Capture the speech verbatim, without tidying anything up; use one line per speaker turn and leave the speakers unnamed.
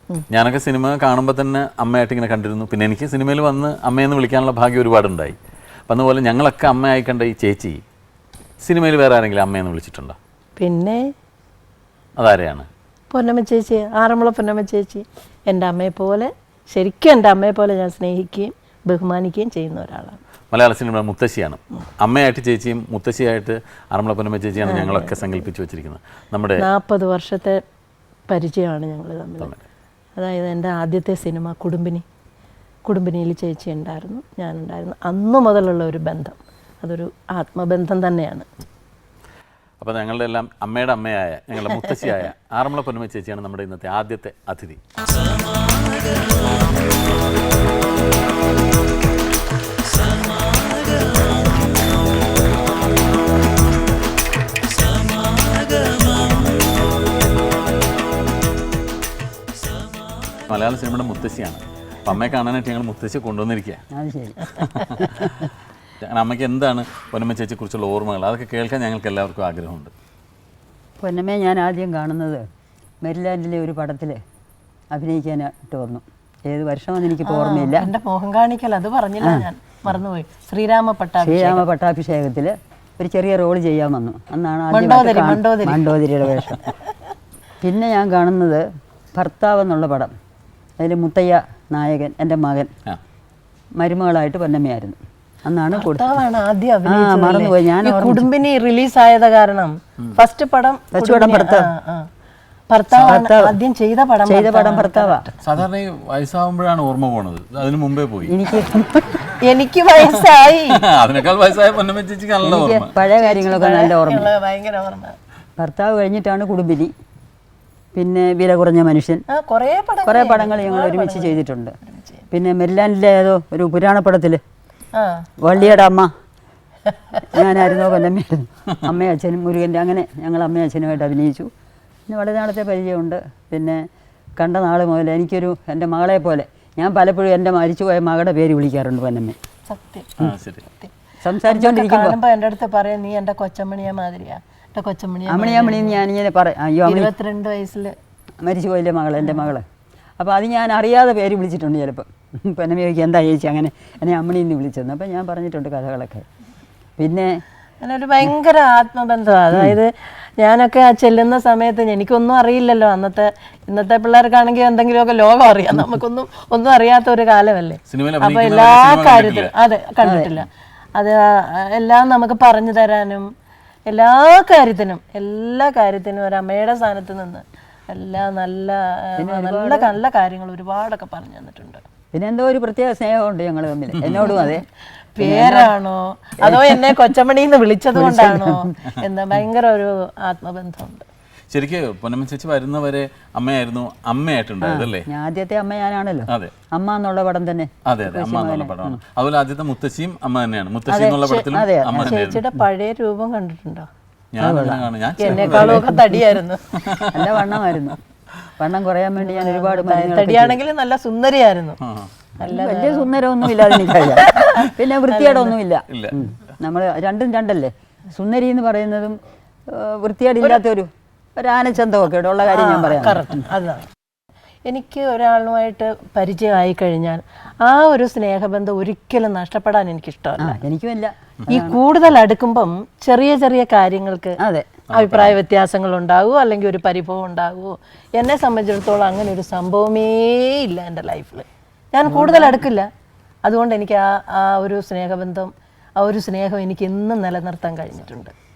ഞാനൊക്കെ സിനിമ കാണുമ്പോൾ തന്നെ അമ്മയായിട്ട് ഇങ്ങനെ കണ്ടിരുന്നു. പിന്നെ എനിക്ക് സിനിമയിൽ വന്ന് അമ്മയെന്ന് വിളിക്കാനുള്ള ഭാഗ്യം ഒരുപാടുണ്ടായി. അപ്പം അതുപോലെ ഞങ്ങളൊക്കെ അമ്മയായി കണ്ട ഈ ചേച്ചി സിനിമയിൽ വേറെ ആരെങ്കിലും അമ്മയെന്ന് വിളിച്ചിട്ടുണ്ടോ?
പിന്നെ
അതാരെയാണ്?
പൊന്നമ്മ ചേച്ചി, ആറന്മുള പൊന്നമ്മ ചേച്ചി. എൻ്റെ അമ്മയെ പോലെ, ശരിക്കും എൻ്റെ അമ്മയെ പോലെ ഞാൻ സ്നേഹിക്കുകയും ബഹുമാനിക്കുകയും ചെയ്യുന്ന ഒരാളാണ്.
മലയാള സിനിമ മുത്തശ്ശിയാണ്. അമ്മയായിട്ട് ചേച്ചിയും മുത്തശ്ശിയായിട്ട് ആറന്മുള പൊന്നമ്മ ചേച്ചിയാണ് ഞങ്ങളൊക്കെ സങ്കല്പിച്ച് വെച്ചിരിക്കുന്നത്. നമ്മുടെ
നാൽപ്പത് വർഷത്തെ പരിചയമാണ് ഞങ്ങൾ തമ്മിൽ. അതായത് എൻ്റെ ആദ്യത്തെ സിനിമ കുടുംബിനി, കുടുംബിനിയിൽ ചേച്ചി ഉണ്ടായിരുന്നു, ഞാനുണ്ടായിരുന്നു. അന്നു മുതലുള്ള ഒരു ബന്ധം, അതൊരു ആത്മബന്ധം തന്നെയാണ്.
അപ്പോൾ ഞങ്ങളുടെ എല്ലാം അമ്മയുടെ അമ്മയായ ഞങ്ങളുടെ മുത്തശ്ശിയായ ആറന്മുള പൊന്നമ്മ ചേച്ചിയാണ് നമ്മുടെ ഇന്നത്തെ ആദ്യത്തെ അതിഥി. മലയാള സിനിമയുടെ മുത്തശ്ശിയാണ്. അപ്പം അമ്മയെ കാണാനായിട്ട് ഞങ്ങൾ മുത്തശ്ശി കൊണ്ടുവന്നിരിക്കുക. അമ്മയ്ക്ക് എന്താണ് പൊന്നമ്മ ചേച്ചിയെക്കുറിച്ചുള്ള ഓർമ്മകൾ? അതൊക്കെ കേൾക്കാൻ ഞങ്ങൾക്ക് എല്ലാവർക്കും ആഗ്രഹമുണ്ട്.
പൊന്നമ്മയെ ഞാൻ ആദ്യം കാണുന്നത് മെരിലാൻഡിലെ ഒരു പടത്തിൽ അഭിനയിക്കാനായിട്ട് വന്നു. ഏത് വർഷമെന്ന് എനിക്കിപ്പോൾ ഓർമ്മയില്ല.
എൻ്റെ മോഹൻ കാണിക്കൽ അത് പറഞ്ഞില്ല, ഞാൻ മറന്നുപോയി. ശ്രീരാമ പട്ടാഭിഷേകം
ശ്രീരാമ പട്ടാഭിഷേകത്തിൽ ഒരു ചെറിയ റോൾ ചെയ്യാൻ വന്നു. അന്നാണ്
മണ്ടോദരി
ആദ്യം മണ്ടോദരിയുടെ വേഷം. പിന്നെ ഞാൻ കാണുന്നത് ഭർത്താവ് എന്നുള്ള പടം. അതിൽ മുത്തയ്യ നായകൻ, എൻ്റെ മകൻ മരുമകളായിട്ട് പൊന്നമ്മയായിരുന്നു. അന്നാണ്
ആദ്യം
മറന്നുപോയി ഞാൻ.
കുടുംബിനി റിലീസായത് കാരണം ഫസ്റ്റ് പടം ആദ്യം ചെയ്ത പടം
ചെയ്ത പടം ഭർത്താവാ.
സാധാരണ ഈ വയസ്സാവുമ്പോഴാണ് ഓർമ്മ പോണത്, അതിന് മുമ്പേ പോയി.
എനിക്ക്
എനിക്ക് വയസ്സായി,
അതിനേക്കാൾ വയസ്സായ പൊന്നമ്മ ചേച്ചിക്ക് നല്ല ഓർമ്മ,
പഴയ കാര്യങ്ങളൊക്കെ നല്ല ഓർമ്മ.
ഭയങ്കര ഓർമ്മ.
ഭർത്താവ് കഴിഞ്ഞിട്ടാണ് കുടുംബിനി, പിന്നെ വില കുറഞ്ഞ മനുഷ്യൻ, കുറേ പടങ്ങൾ ഞങ്ങൾ ഒരുമിച്ച് ചെയ്തിട്ടുണ്ട്. പിന്നെ മെരിലാൻഡിലെ ഏതോ ഒരു പുരാണപ്പടത്തിൽ വള്ളിയുടെ അമ്മ ഞാനായിരുന്നോ പൊന്നമ്മയായിരുന്നു. അമ്മയും അച്ഛനും മുരുകൻ്റെ, അങ്ങനെ ഞങ്ങൾ അമ്മയും അച്ഛനുമായിട്ട് അഭിനയിച്ചു. പിന്നെ വളരെ നാളത്തെ പരിചയമുണ്ട്. പിന്നെ കണ്ട നാൾ മുതൽ എനിക്കൊരു എൻ്റെ മകളെ പോലെ, ഞാൻ പലപ്പോഴും എൻ്റെ മരിച്ചുപോയ മകളുടെ പേര് വിളിക്കാറുണ്ട് പൊന്നമ്മ.
സത്യം.
സംസാരിച്ചോണ്ടിരിക്കുമ്പോൾ
എൻ്റെ അടുത്ത് പറയാം, നീ എൻ്റെ കൊച്ചമ്മണിയെ മാതിരിയാ.
അമ്മണിയമ്മണിന്ന് ഞാനിങ്ങനെ പറയും. അയ്യോ,
ഇരുപത്തിരണ്ട് വയസ്സിൽ
മരിച്ചു പോയില്ലേ മകൾ, എൻ്റെ മകള്. അപ്പോൾ അത് ഞാൻ അറിയാതെ പേര് വിളിച്ചിട്ടുണ്ട് ചിലപ്പോൾ. പൊന്നമ്മ ചോദിക്കും എന്താ ചേച്ചി അങ്ങനെ എന്നെ അമ്മണിന്ന് വിളിച്ചതെന്ന്. അപ്പം ഞാൻ പറഞ്ഞിട്ടുണ്ട് കഥകളൊക്കെ. പിന്നെ
അങ്ങനൊരു ഭയങ്കര ആത്മബന്ധമാണ്. അതായത് ഞാനൊക്കെ ആ ചെല്ലുന്ന സമയത്ത് എനിക്കൊന്നും അറിയില്ലല്ലോ. അന്നത്തെ ഇന്നത്തെ പിള്ളേർക്കാണെങ്കിൽ എന്തെങ്കിലുമൊക്കെ ലോകം അറിയാം, നമുക്കൊന്നും ഒന്നും അറിയാത്ത ഒരു കാലമല്ലേ. അപ്പോൾ എല്ലാ കാര്യത്തിലും അതെ കണ്ടിട്ടില്ല. അത് എല്ലാം നമുക്ക് പറഞ്ഞു തരാനും എല്ലാ കാര്യത്തിനും എല്ലാ കാര്യത്തിനും ഒരു അമ്മയുടെ സ്ഥാനത്ത് നിന്ന് എല്ലാ നല്ല നല്ല നല്ല കാര്യങ്ങൾ ഒരുപാടൊക്കെ പറഞ്ഞു തന്നിട്ടുണ്ട്.
പിന്നെ എന്തോ ഒരു പ്രത്യേക സ്നേഹമുണ്ട് ഞങ്ങൾ തമ്മിൽ, എന്നോടും അതെ.
പേരാണോ അതോ എന്നെ കൊച്ചമണിന്ന് വിളിച്ചത് കൊണ്ടാണോ എന്താ ഭയങ്കര ഒരു ആത്മബന്ധമുണ്ട്.
ശരിക്കും പൊന്നമ്മ ചേച്ചി വരുന്നവരെ അമ്മയായിരുന്നു അമ്മയായിട്ടുണ്ടായതല്ലേ?
ആദ്യത്തെ അമ്മ ഞാനാണല്ലോ.
അതെ,
അമ്മ എന്നുള്ള പടം തന്നെ.
അതെ അതെ, അമ്മ എന്നുള്ള പടമാണ്. അതുപോലെ ആദ്യത്തെ മുത്തശ്ശിയും അമ്മ തന്നെയാണ്. മുത്തശ്ശി എന്നുള്ള പടത്തിലും അമ്മ തന്നെയായിരുന്നു.
ചേച്ചിയുടെ പഴയ രൂപം കണ്ടിട്ടുണ്ടോ?
എന്നെക്കാളും
ഒക്കെ തടിയായിരുന്നു,
നല്ല വണ്ണമായിരുന്നു. വണ്ണം കുറയാൻ വേണ്ടി ഞാൻ ഒരുപാട്
തടിയാണെങ്കിലും നല്ല സുന്ദരിയായിരുന്നു.
വലിയ സുന്ദരമൊന്നും ഇല്ലാതെ എനിക്കറിയാം. പിന്നെ വൃത്തിയേടൊന്നുമില്ല. നമ്മൾ രണ്ടും രണ്ടല്ലേ. സുന്ദരി എന്ന് പറയുന്നതും വൃത്തിയേടില്ലാത്തൊരു ഒരു ആനച്ചന്തമൊക്കെ ഉള്ള കാര്യം ഞാൻ പറയാം.
കറക്റ്റ്, അതാണ്. എനിക്ക് ഒരാളുമായിട്ട് പരിചയമായി കഴിഞ്ഞാൽ ആ ഒരു സ്നേഹബന്ധം ഒരിക്കലും നഷ്ടപ്പെടാൻ എനിക്കിഷ്ടമല്ല.
എനിക്കുമില്ല.
ഈ കൂടുതൽ അടുക്കുമ്പം ചെറിയ ചെറിയ കാര്യങ്ങൾക്ക്
അതെ
അഭിപ്രായ വ്യത്യാസങ്ങൾ ഉണ്ടാകുമോ അല്ലെങ്കിൽ ഒരു പരിഭവം ഉണ്ടാകുമോ. എന്നെ സംബന്ധിച്ചിടത്തോളം അങ്ങനെ ഒരു സംഭവമേ ഇല്ല എൻ്റെ ലൈഫിൽ. ഞാൻ കൂടുതൽ അടുക്കില്ല. അതുകൊണ്ട് എനിക്ക് ആ ആ ഒരു സ്നേഹബന്ധം, ആ ഒരു സ്നേഹം എനിക്ക് എന്നും നിലനിർത്താൻ കഴിഞ്ഞിട്ടുണ്ട്.